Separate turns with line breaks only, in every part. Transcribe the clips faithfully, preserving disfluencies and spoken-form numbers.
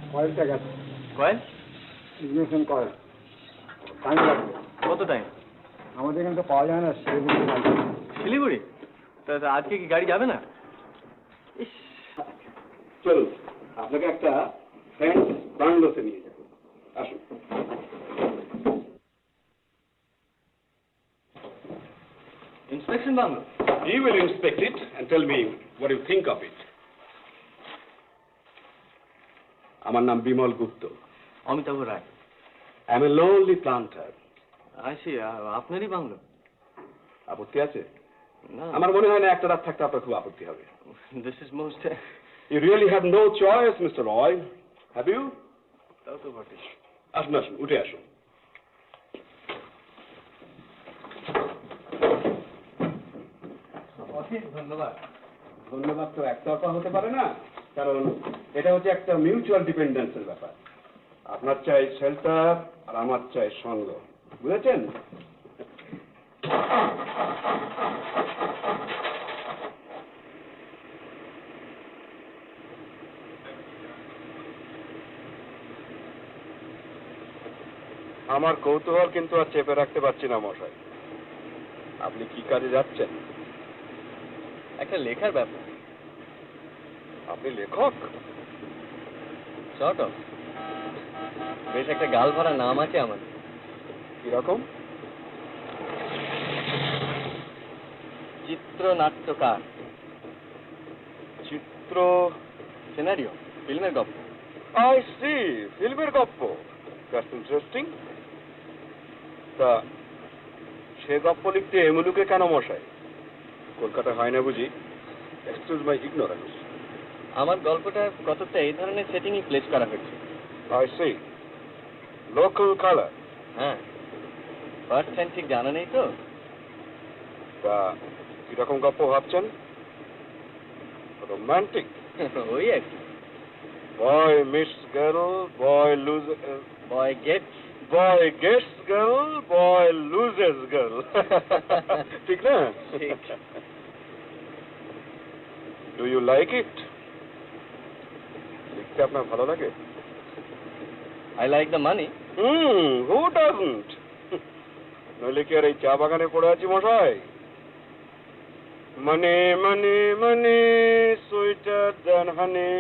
কয়েলটা গেছে।
Coil?
Ignition coil. Time লাগবে।
কত টাইম?
আমাদের এখানে তো পাওয়া যায় না, শিলিগুড়ি।
শিলিগুড়ি? তা আজকে কি গাড়ি যাবে না? ইস,
চলুন আপনাকে একটা ফ্রেন্ড বাংলোতে নিয়ে যাবো, আসুন।
Inspection bungalow?
He will inspect it and tell me what you think of it. আমার নাম বিমল গুপ্ত।
অমিতাভ রায়।
I am a lonely planter.
আসি, আপনারই বাংলো?
আপত্তি আছে?
না,
আমার মনে হয় না একটা রাত থাকতে আপনার খুব আপত্তি হবে।
This is most.
You really have no choice, Mister Roy. Have you?
তাও তো বটে।
আসুন আসুন, উঠে আসুন।
অশেষ ধন্যবাদ।
ধন্যবাদ তো একতরফা হতে পারে না, কারণ এটা হচ্ছে একটা মিউচুয়াল ডিপেন্ডেন্সের ব্যাপার। আপনার চাই শেল্টার আর আমার চাই সঙ্গ, বুঝেছেন? আমার কৌতূহল কিন্তু আর চেপে রাখতে পারছি না মশাই। আপনি কি কাজে যাচ্ছেন?
একটা লেখার ব্যাপার।
আপনি লেখক?
Sort of. বেশ একটা গাল ভরা নাম আছে আমার।
কিরকম?
চিত্রনাট্যকার।
চিত্র?
সিনারিও, ফিল্মের গল্প।
আই সি, ফিল্মের গল্প। That's interesting. তা সে গল্প লিখতে এমুলুকে কেন মশাই? কলকাতা হয় না বুঝি? Excuse my ignorance.
আমার গল্পটা কতটা এই ধরনের সেটিংই প্লেস করা হয়েছে।
I see. Local colour?
হ্যাঁ, ফার্স্ট হ্যান্ড ঠিক জানা নেই তো।
তা কিরকম গল্প ভাবছেন? রোমান্টিক?
ওই আর কি।
Boy miss girl, boy lose,
boy gets,
boy gets girl, boy loses girl. ঠিক না?
ঠিক।
Do you like it? লিখতে আপনার ভালো লাগে?
I like the money.
Hmm, who doesn't? নইলে কি আর এই চা বাগানে পড়ে আছি মশাই? মানে মানে মানে সুইটার দ্যান হানি,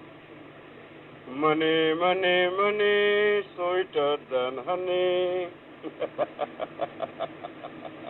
মানে মানে মানে সুইটার দ্যান হানি।